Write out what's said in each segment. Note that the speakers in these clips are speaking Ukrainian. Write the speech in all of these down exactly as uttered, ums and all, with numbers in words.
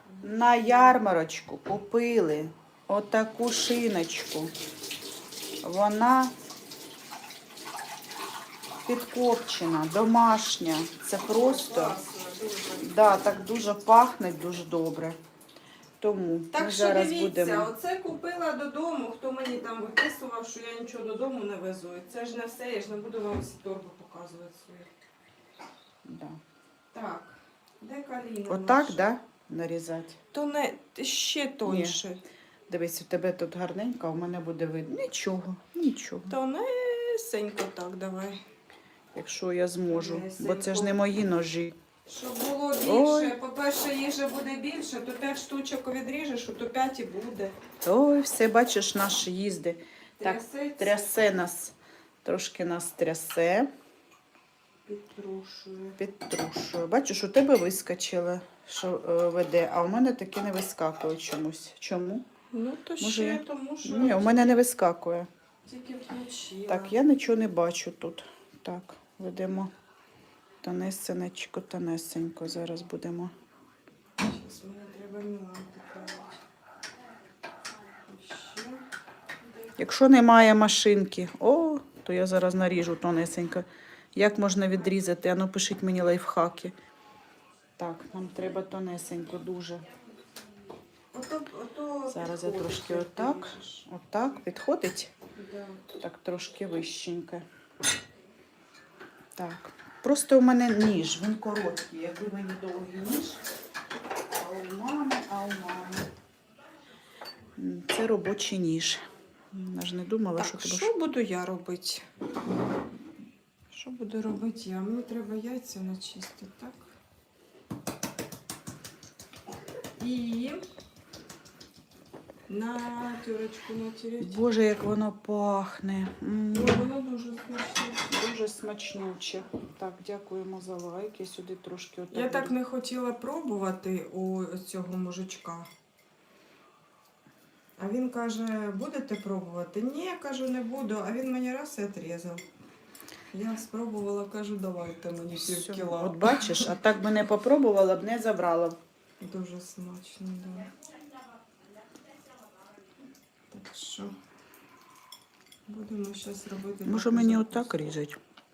на ярмарочку купили отаку шиночку. Вона підкопчена, домашня. Це просто, да, так дуже пахне, дуже добре. Тому Так ми що зараз дивіться, будемо. оце купила додому, хто мені там виписував, що я нічого додому не везу. І це ж не все, я ж не буду вам всі торби показувати свої. Да. Так, де каліна Отак, наша? да, нарізати? То не ще тоньше. Дивись, у тебе тут гарненько, а у мене буде видно. Нічого, нічого. Тонесенько так давай. Якщо я зможу, бо це ж Тонесенько. не мої ножі. Щоб було Ой. більше, по-перше, їжі буде більше, то п'ять штучок відріжеш, то п'ять і буде. Ой, все, бачиш, наш їзди. Так, Трясеться. трясе нас, трошки нас трясе, Підтрушую. підтрушує. Бачиш, у тебе вискочило, що е, веде, а у мене таке не вискакує чомусь. Чому? Ну, то Може, ще, я- тому що Ні, у мене не вискакує. тільки включила. Так, я нічого не бачу тут. Так, ведемо тонесенечко, тонесенько. Зараз будемо. Зараз мені треба Міланку правити. Ще. Якщо немає машинки, о, то я зараз наріжу тонесенько. Як можна відрізати? Ану, пишіть мені лайфхаки. Так, нам треба тонесенько дуже. Ото, ото Зараз я підходить, трошки як отак, ти ріжеш. отак, підходить? Да. Так, трошки вищенько. Так, просто у мене ніж, він короткий. Якби мені довгий ніж, а у мами, а у мами. М, Це робочий ніж. Я ж не думала, що Так, тебе... що буду я робити? Що буду робити я? Мені треба яйця начистити, так? І на тюрочку натереть. Боже, як воно пахне. М. Ой, воно дуже смачне. Дуже смачнюче. Так, дякуємо за лайк. Я сюди трошки отак. Я так буду. не хотіла пробувати у цього мужичка. А він каже, будете пробувати? Ні, я кажу, не буду. А він мені раз і відрізав. Я спробувала, кажу, давайте мені пів Все. кіла. От бачиш, а так би не попробувала б, не забрала б. Дуже смачно, да. Так що будемо зараз робити. Може таку мені закуску. отак різати?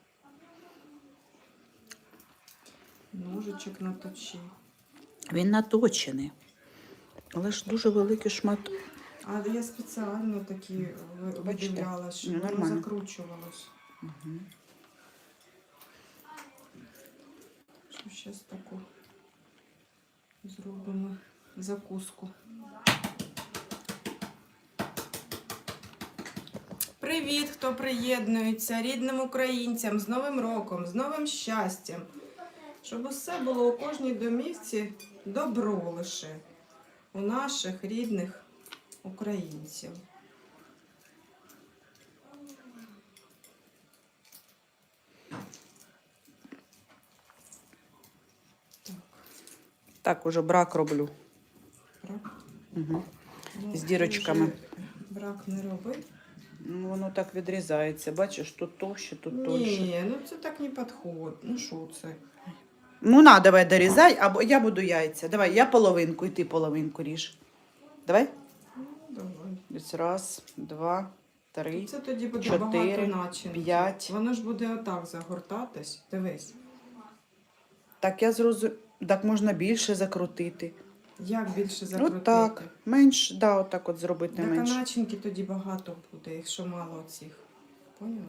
Ножичок наточи. Він наточений. Але ж дуже великий шмат. А я спеціально такі ви- Бачите? видивлялась, щоб Ну, воно нормально. закручувалось. Угу. Що зараз таку зробимо закуску. Привіт, хто приєднується, рідним українцям, з Новим роком, з новим щастям. Щоб усе було у кожній домівці добро лише у наших рідних українців. Так, Так, уже брак роблю. брак. Угу. Ну, З ти дірочками. вже брак не роби. Ну, воно так відрізається. Бачиш, тут товще, тут тоньше. Ні, ну це так не підходить. Ну що це? Ну, на, давай дорізай, або я буду яйця. Давай, я половинку, і ти половинку ріж. Давай. Ну, давай. Десь раз, два, три. Це тоді буде чотири, багато начинки. п'ять. Воно ж буде отак загортатись. Дивись. Так, я зрозуміла. Так можна більше закрутити. Як більше закрутити? От так. Менш, да, отак от зробити Так, а менше. начинки тоді багато буде, якщо мало цих. Поняла?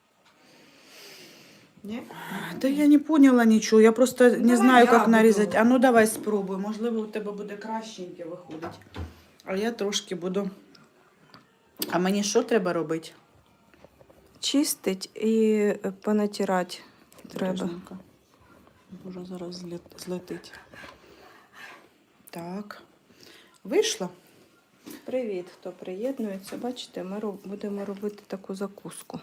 Ні? Та я не поняла нічого, я просто не Давай знаю, я як буду. нарізати. А ну давай спробуй, можливо, у тебе буде кращеньке виходить. А я трошки буду. А мені що треба робити? Чистить і понатирати Бережненько. Боже, зараз злет- злетить. Так. Вийшло? Привіт, хто приєднується. Бачите, ми роб- будемо робити таку закуску.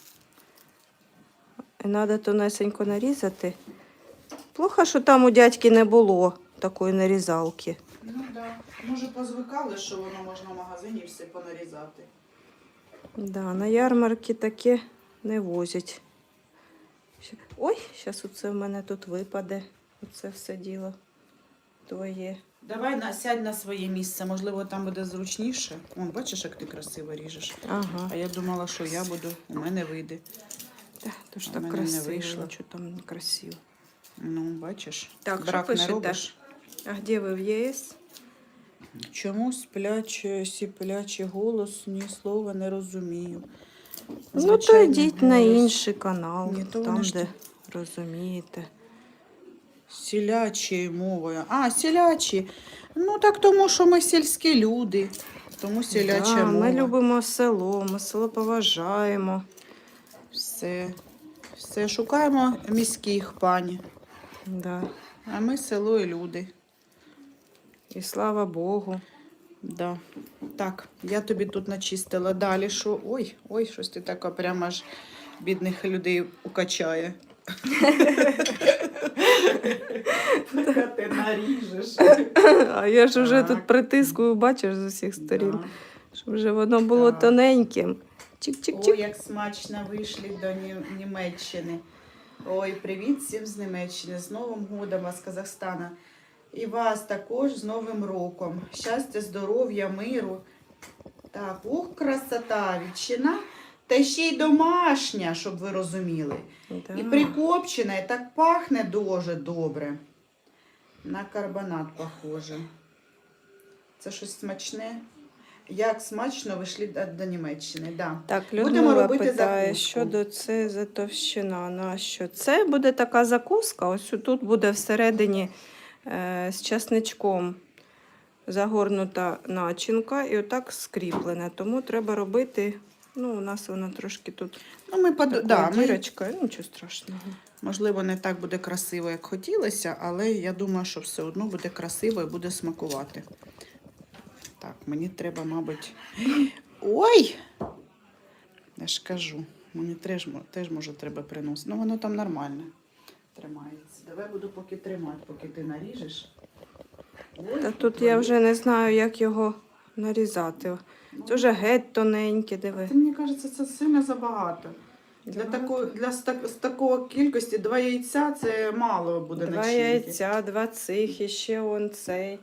Треба тонесенько нарізати. Плохо, що там у дядьки не було такої нарізалки. Ну так. Да. Може, позвикали, що воно можна в магазині все понарізати. Да, на ярмарки таке не возять. Ща- Ой, зараз оце в мене тут випаде. Оце все діло. твоє. Давай на, сядь на своє місце, можливо, там буде зручніше. Вон, бачиш, як ти красиво ріжеш. Ага. А я думала, що я буду, у мене вийде. Та, то ж А в так мене не красиво, вийшло. що там не красиво. Ну, бачиш, Так, брак що не пишете? робиш. А де ви в ЄС? Чому спляче, сіплячий голос, ні слова не розумію. Ну, то Звичайний йдіть на голос. інший канал, Ні, то там, вони ж де розумієте. Сілячою мовою. А, сілячі. Ну так тому, що ми сільські люди. Тому сіляча Да, мова. ми любимо село, ми село поважаємо. Все. Все. Шукаємо міських пані. Да. А ми село і люди. І слава Богу. Да. Так, я тобі тут начистила. Далі що? Ой, ой, щось ти така прямо аж бідних людей укачає. Ти наріжеш. А я ж вже Так. тут притискую, бачиш, з усіх сторін, Да. щоб вже воно було Так. тоненьким. Ой, Чик-чик-чик. як смачно вийшли до Нім- Німеччини. Ой, привіт всім з Німеччини, з Новим годом вас, Казахстана. І вас також з Новим роком. Щастя, здоров'я, миру. Так, ух, красота, ветчина. Та ще й домашня, щоб ви розуміли. Да. І прикопчена, і так пахне дуже добре. На карбонат похоже. Це щось смачне. Як смачно вийшли до, до Німеччини, да. Так, Будемо Людмила робити питає, закуску. що до це за товщина. На що? Це буде така закуска, ось тут буде всередині е, з часничком загорнута начинка і отак скріплене. Тому треба робити, ну, у нас вона трошки тут Ну, ми, под... така да, ми, дірочка, ну, нічого страшного. можливо, не так буде красиво, як хотілося, але я думаю, що все одно буде красиво і буде смакувати. Так, мені треба, мабуть. Ой! Я ж кажу, мені теж, теж може треба приносити. Ну, воно там нормально тримається. Давай буду поки тримати, поки ти наріжеш. Ой, Та тут я вже не знаю, як його нарізати. Ну, Це вже геть тоненьке, диви. Це, мені кажеться, це сильно забагато. Для, Забагато? такої, для з, так, з такого кількості два яйця це мало буде Два начинки. яйця, два цих, і ще он цей.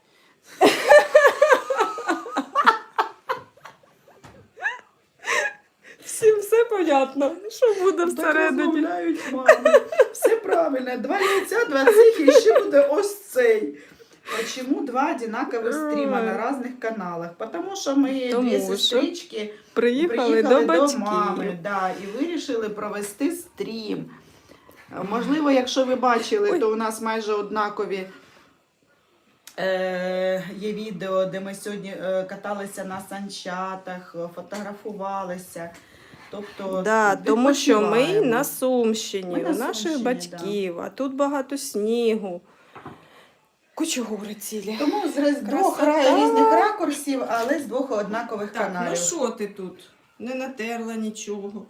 Всім все понятно, що буде Так всередині. розмовляють мами. Все правильно. Два яйця, два цих і ще буде ось цей. Почему два одинаковых стрима на разных каналах? Потому що ми Тому дві що сестрички Приїхали, до батьків. мами, да, і вирішили провести стрім. Можливо, якщо ви бачили, Ой. то у нас майже однакові е, є відео, де ми сьогодні е, каталися на санчатах, фотографувалися. Тобто, Да, тому що ми відпочиваємо. на Сумщині, Ми на у наших Сумщині, батьків, а тут багато снігу. Кучугури цілі. Тому з роз- двох Красота. ра- різних ракурсів, але з двох однакових Так, каналів. ну що ти тут? Не натерла нічого.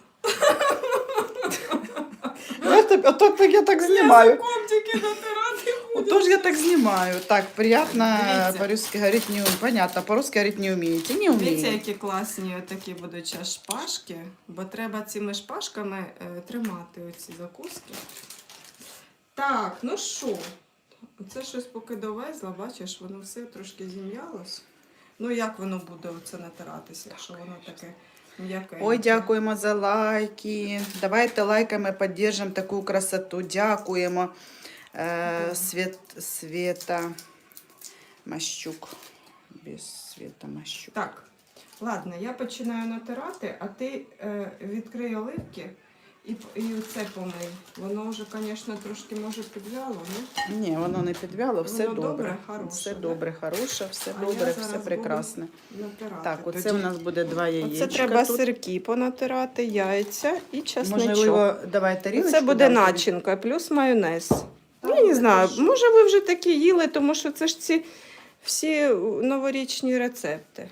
Отак я так знімаю. Язиком тільки натирати ходиш. Отож я так знімаю. Так, приятно Дивіться. по-русски говорить не умеете. Понятно, по-русски говорить не умеете. Не Дивіться, умеете. які класні такі будуть зараз шпажки, бо треба цими шпажками е, тримати оці закуски. Так, ну що? Оце щось поки довезла, бачиш, воно все трошки зім'ялось. Ну як воно буде оце натиратися, якщо воно таке м'яке? Ой, дякуємо за лайки. Давайте лайками підтримуємо таку красоту. Дякуємо. Е, Свет, Света Мащук. Без Света Мащук. Так, ладно, я починаю натирати, а ти е, відкрий оливки і, і це помий. Воно вже, звісно, трошки може підвяло, не? Ні, воно не підвяло, все Воно добре. добре, хороше, Все да? добре, хороше, все А я добре, зараз все буду прекрасне. Натирати. Так, оце Тоді. у нас буде два яєчка. Оце треба тут. сирки понатирати, яйця і чесничок. Можливо, давай тарілочку. Це буде дам тобі. начинка, плюс майонез. Та, Я не це знаю, ж- може ви вже такі їли, тому що це ж ці всі новорічні рецепти.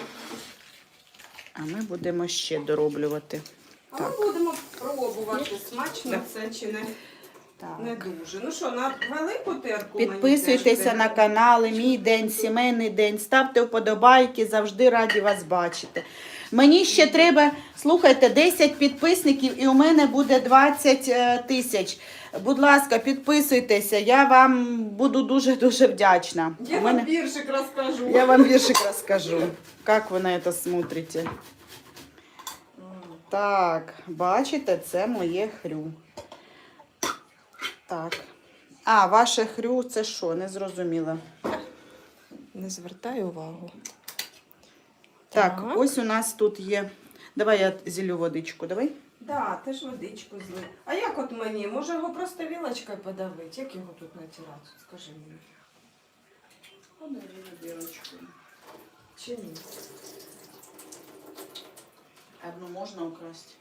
А ми будемо ще дороблювати. А Так. ми будемо пробувати, смачно Так. це чи не, Так. не дуже. Ну що, на велику терку мені Підписуйтеся теж на треба? канали Мій день, сімейний день. Ставте вподобайки, завжди раді вас бачити. Мені ще треба, слухайте, десять підписників і у мене буде двадцять е, тисяч. Будь ласка, підписуйтеся, я вам буду дуже-дуже вдячна. Я У мене- вам віршик розкажу. Я вам віршик розкажу, як ви на це смотрите. Так, бачите, це моє хрю. Так. А, ваше хрю це що? Не зрозуміла. Не звертай увагу. Так, Так. ось у нас тут є. Давай я зілю водичку, давай. Да, ти ж водичку злив. А як от мені? Може його просто вілочкою подавити? Як його тут натирати? Скажи мені. Чи ні? Одну можна украсти.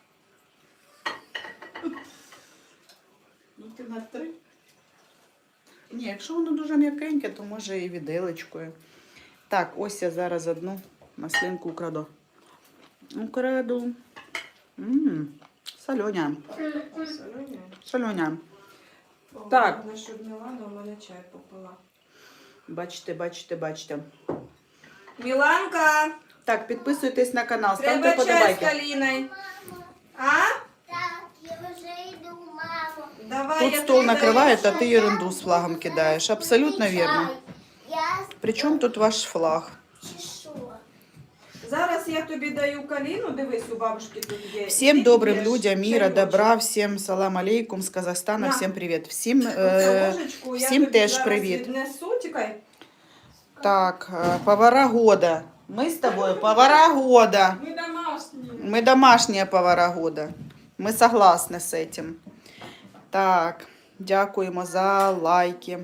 Ну, ти на три. Ні, якщо воно дуже м'якеньке, то може і віделечкою. Так, ось я зараз одну маслинку украду. Украду. Ммм, соленя. Солоня? Соленя. Так. Так. Вона щоб не ладно, у мене чай попила. Бачите, бачите, бачите. Міланка, Так, підписуйтесь на канал, ставте треба чай з подобайки. каліною. А? Так, я вже йду, мамо. Давай, Тут я стол тобі накривають, а даю ти ерунду з флагом кидаєш. Абсолютно вірно. Я Причому тут ваш флаг? чи що? Зараз я тобі даю каліну, дивись, у бабушки тут є. Всем Ти добрым п'єш людям мира, чайочок. добра, всем салам алейкум с Казахстана, На. всем привет. Всім, Оцю е, ложечку я всім тобі теж зараз привіт. віднесу, тікай. Так, е, повара года. Мы с тобой повара года. Ми домашні. Мы домашние повара года. Мы согласны с этим. Так, дякуємо за лайки.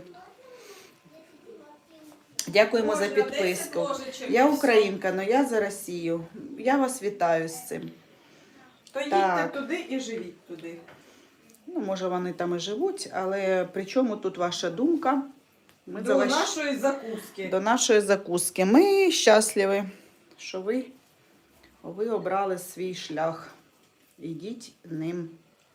Дякуємо за Можна підписку. десять ложечок Я і все. українка, але я за Росію. Я вас вітаю з цим. То їдьте Так. туди і живіть туди. Ну, може, вони там і живуть, але при чому тут ваша думка? Ми До за ваш- нашої закуски. до нашої закуски. Ми щасливі, що ви, ви обрали свій шлях. Ідіть ним.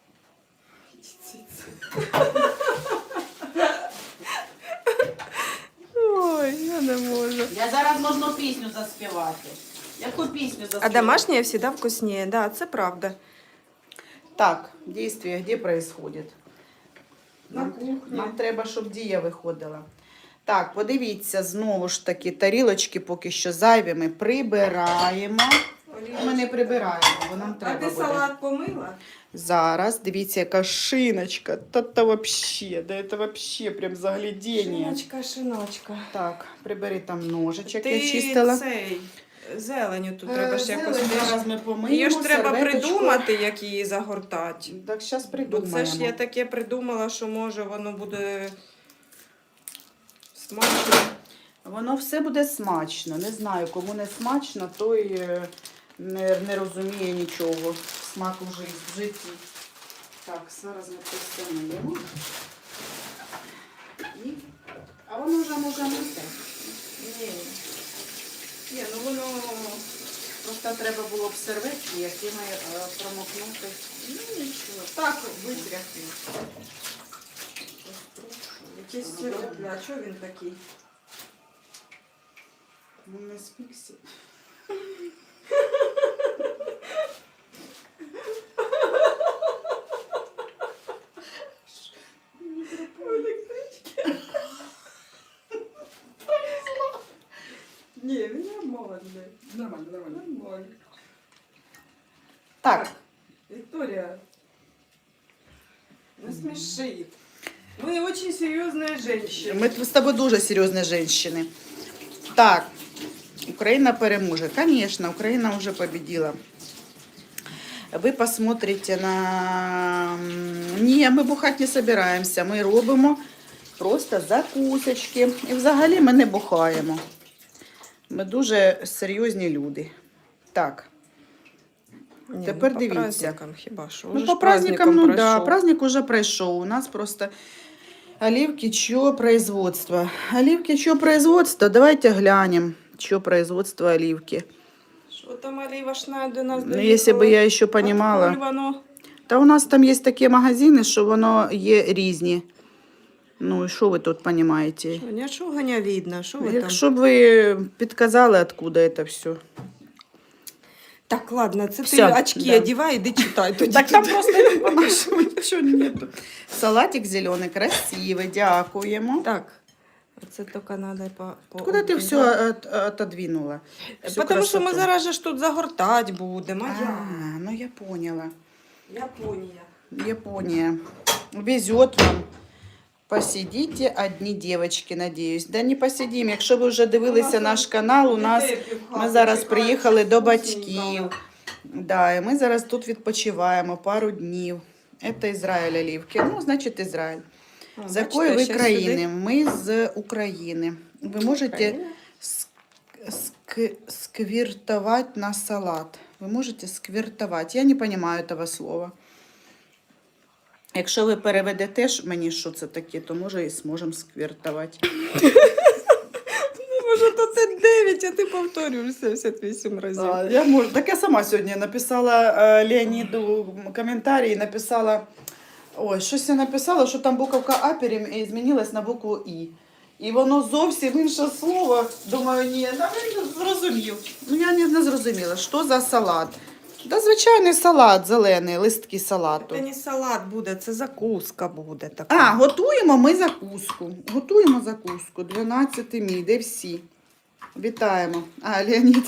Ой, я не можу. Я зараз можна пісню заспівати. Яку пісню заспівати? А домашнее всегда вкуснее, да, це правда. Так, дійство де происходит? На Нам, кухні. нам треба, щоб дія виходила. Так, подивіться, знову ж таки, тарілочки поки що зайві ми прибираємо. Ми не прибираємо, бо нам А треба ти буде. салат помила? Зараз, дивіться, яка шиночка. Та-та вообще, да це вообще прям заглядіння. Шиночка, шиночка. Так, прибери там ножичок, Ти я чистила. цей, зеленю тут Е, треба ж якось. зелень теж- зараз ми помиємо, Її ж треба серветочку. придумати, як її загортати. Так, зараз Бо придумаємо. це ж я таке придумала, що може воно буде смачно. Воно все буде смачно. Не знаю, кому не смачно, той е, не, не розуміє нічого. Смаку в житті- в житті. Так, зараз ми це все миємо. І... А воно вже може мити. Ні. Ні, ну воно. Просто треба було б серветки, якими е, промокнути. Ну нічого. Так, витряхни. Якийсь сиропля, а чого він такий? Ну, не спікся. Ні, він нормальний. Нормально, нормально. Нормально. Так, Виктория, не смеши. Мы очень серьезные женщины. ми з тобою дуже серйозні жінки. Так, Україна переможе. Звісно, Україна вже победила. Ви посмотрите на... Ні, ми бухати не збираємося. Ми робимо просто закусочки. І взагалі ми не бухаємо. Ми дуже серйозні люди. Так. Ні, Тепер ну, по дивіться. праздникам хіба що. Ну, Уже по ж праздникам, ну да, пройшов. праздник уже пройшов. У нас просто оливки, чье производство. Оливки, чье производство? Давайте глянем, чье производство оливки. Що там Олівашна до нас Ну, если бы я еще Откуль понимала. воно? Та у нас там є такі магазини, що воно є різні. Ну, і що ви тут розумієте? Що, нічого не видно, що ви там? Якщо б ви підказали, откуда це все. Так, ладно, це Всё, ти очки да. одівай, іди читай тоді. Так там просто не по-нашому нічого нету. Салатик зелений, красивий, дякуємо. Так, це тільки треба по... по Куди ти все от- отодвинула? Всю Тому що ми красоту? зараз же ж тут загортати будемо. А А, я? ну я поняла. Японія. Япония. Везет вам. Посидите одні дівчатки, надіюсь. Да не посидім. Якщо ви вже дивилися наш канал, у нас ми зараз приїхали до батьків. Да, і ми зараз тут відпочиваємо пару днів. Це Ізраїль оливки. Ну, значить, Ізраїль. З якої ви країни? Ми з України. Ви можете ск- сквіртувати на салат. Ви можете сквіртувати. Я не розумію цього слова. Якщо ви переведете ж мені, що це таке, то може і зможемо сквіртувати. Може, то це дев'ять, а ти повторюєш сімдесят вісім разів. А, я можу. Так я сама сьогодні написала е, Леоніду коментарі, написала, ой, щось я написала, що там буковка А перем- змінилась на букву І. І воно зовсім інше слово. Думаю, ні, та він зрозумів. Ну я не, не зрозуміла, що за салат. Та звичайний салат зелений, листки салату. Це не салат буде, це закуска буде така. А, готуємо ми закуску. Готуємо закуску. дванадцятий мій, де всі. Вітаємо. А, Леонід.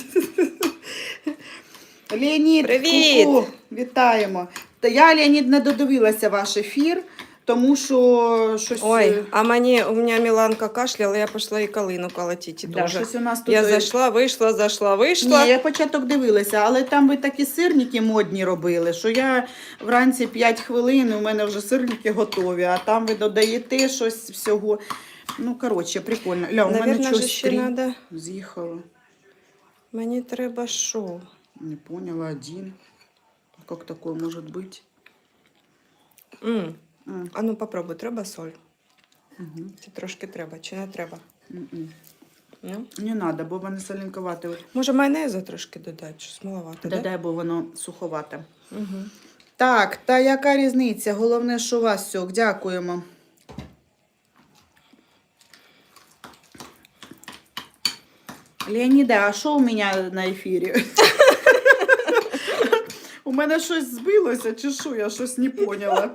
Леонід, Привіт! ку-ку, вітаємо. Та я, Леонід, не додивилася ваш ефір, тому що щось... Ой, а мені, у мене Міланка кашляла, я пішла і калину колотити да, дуже. щось у нас тут... Я зайшла, вийшла, зайшла, вийшла. Ні, я початок дивилася, але там ви такі сирники модні робили, що я вранці п'ять хвилин, у мене вже сирники готові, а там ви додаєте щось всього. Ну, коротше, прикольно. Ля, у мене Наверно, щось же ще три надо... з'їхало. Мені треба що? Не поняла, один. Как такое может быть? М. М, А ну попробуй, треба соль? мгм, Це трошки треба, чи не треба? м-м. Ну? Не надо, бо воно соленковате. Може майонезу трошки додати, щось маловато, да? Додай, бо воно суховате. Угу. Так, та яка різниця? Головне, що у вас сьок. Дякуємо. Леоніда, а що у мене на ефірі? У мене щось збилося, чи що? Я щось не поняла.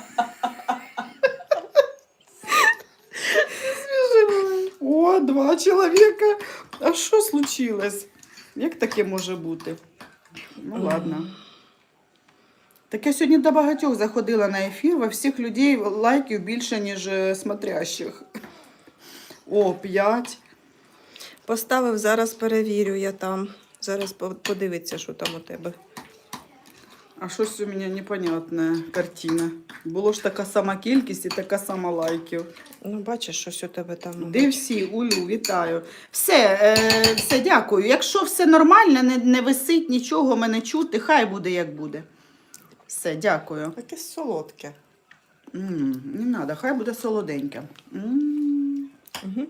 О, два чоловіка. А що случилось? Як таке може бути? Ну ладно. Так я сьогодні до багатьох заходила на ефір, во всіх людей лайків більше, ніж е, смотрящих. О, п'ять. Поставив, зараз перевірю я там. Зараз по- подивиться, що там у тебе. А щось у мене непонятна картина. Було ж така сама кількість і така сама лайків. Ну, бачиш, щось у тебе там. Де всі? Улю, вітаю. Все, е, все, дякую. Якщо все нормально, не, не висить нічого, мене чути, хай буде як буде. Все, дякую. Таке солодке. М, не треба, хай буде солоденьке. М. Угу.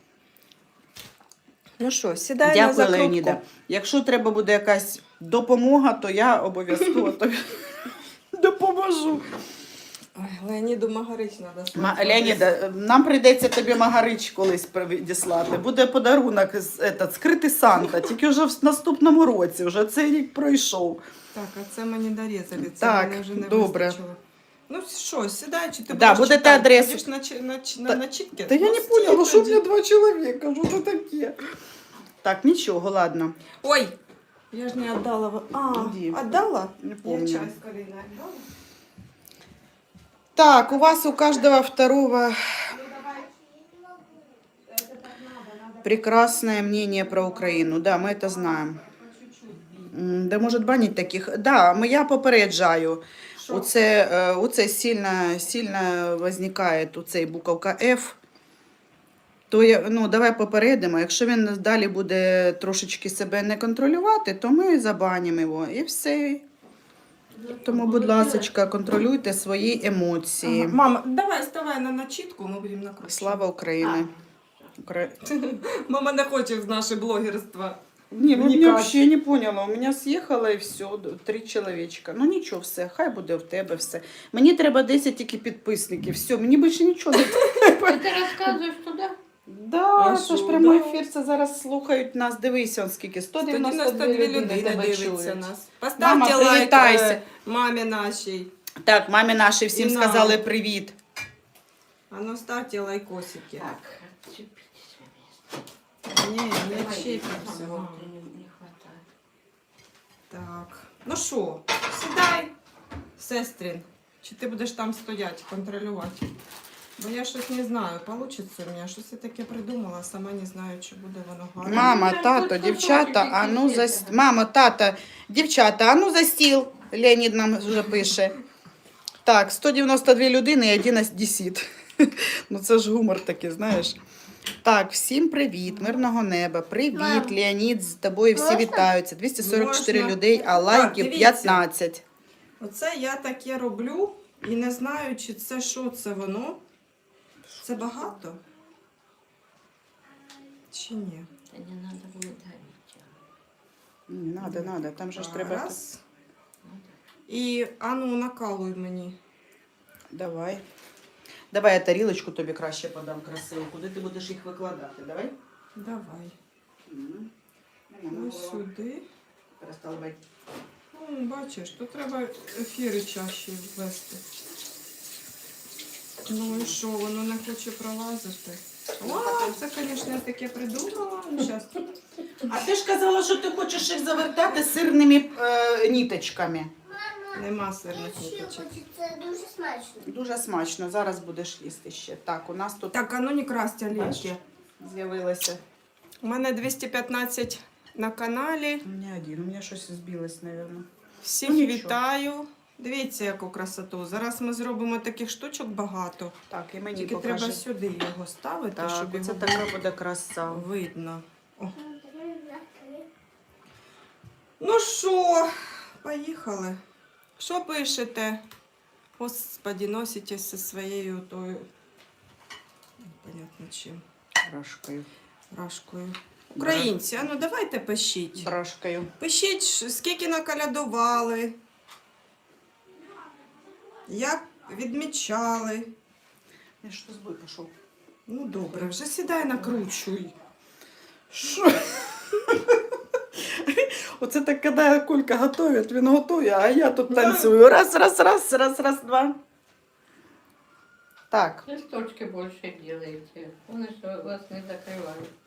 Ну що, сідай на Дякую, закрутку. Леоніда. Якщо треба буде якась допомога, то я обов'язково тобі допоможу. Ой, Леоніду Магарич треба. Ма- Леоніда, нам прийдеться тобі Магарич колись відіслати. Буде подарунок з- етот, скритий Санта, тільки вже в наступному році, вже цей рік пройшов. Так, а це мені дорізали, це Так, мене вже не добре. вистачило. Ну що, сідай, чи ти Да, будеш будете читати? адресу. Будеш на, чи- на, чи- на, Та- на чітки? Та я Ну, не стій поняла, що в тоді. мене два чоловіка, що це таке? Так, нічого, ладно. Ой, я ж не віддала. в- А, Іди. віддала? Не Я помню. чай з Кариною віддала. Так, у вас у каждого второго прекрасное мнение про Украину. Да, мы это знаем. М, Да может банить таких. Да, ми- я попереджаю. Що? Оце, е, оце сильно, сильно возникає оцей буковка F. То я, ну, давай попередимо. Якщо він далі буде трошечки себе не контролювати, то ми забанимо його. І все. Тому, будь ласка, контролюйте свої емоції. Ага. Мама, давай ставай на начітку, ми будемо накручувати. Слава Україні. Укра... Мама не хоче в наше блогерство. Не, ну, Вникать. я вообще не поняла. У меня съехало і все, три чоловічка. Ну нічого, все, хай буде в тебе все. Мені треба десять тільки підписників. Все, мені більше нічого не треба. Ты рассказываешь туда? Да, А це ж що, прямий да. ефір, це зараз слухають нас. Дивися, он скільки, сто дев'яносто сто дві дев'яносто дві людини людини тебе дивиться чують. нас. Мама, Поставте лайк привітайся. е, мамі нашій. Так, мамі наші всім І нам. сказали привіт. А ну ставте лайкосики. Так, Ні, не давай, чіпимося. мама, мам. не, не хватает. Так. Ну що, сідай, сестрин. Чи ти будеш там стояти, контролювати? Бо я щось не знаю, вийде у мене. Щось я таке придумала, сама не знаю, чи буде воно гарно. Мама, Ну, тато, тут дівчата, кусочки а ну за тільки. Мама, тата, дівчата, а ну за стіл. Леонід нам вже пише. Так, сто дев'яносто дві людини і один одесит. Ну це ж гумор такий, знаєш. Так, всім привіт, мирного неба. Привіт, Мам. Леонід, з тобою всі Можна? вітаються. двісті сорок чотири Можна. людей, а Так, лайків дивіться. п'ятнадцять. Оце я таке роблю і не знаю, чи це що це воно. Це багато? Чи ні? Да не надо будет давить. Не надо, надо, там же ж треба. Раз. І ану накалуй мені. Давай. Давай я тарілочку тобі краще подам красиво. Куди ти будеш їх викладати? Давай. Давай. Мгм. Ось сюди. Перестали. Ну, бачиш, тут треба ефіри чаще ввести. Ну і що, воно не хоче пролазити. О, це, звісно, я таке придумала. Ну, щас. А ти ж казала, що ти хочеш їх завертати сирними е, ніточками. Нема сирних Ще ниточок. хочу, це дуже смачно. Дуже смачно. Зараз будеш їсти ще. Так, у нас тут Так, а ну не красти олівки. з'явилося. У мене двісті п'ятнадцять на каналі. У мене один, у мене щось збилось, мабуть. Всіх Ну, нічого. вітаю. Дивіться, яку красоту. Зараз ми зробимо таких штучок багато. Так, і мені Тільки покажи. треба сюди його ставити, Так, щоб це його така буде краса. було видно. О. Ну що, поїхали. Що пишете? Господи, носите зі своєю тою, непонятно чим, Рашкою. рашкою. Українці, а ну давайте пишіть. Рашкою. Пишіть, ш- скільки накалядували, як відмічали. Я що збой пішов. Ну добре, вже сідай накручуй. Що? Оце так, коли Колька готує, він готує, а я тут танцюю. Раз, раз, раз, раз, раз, два. Так. Листочки больше делайте. Он еще вас не закрывает.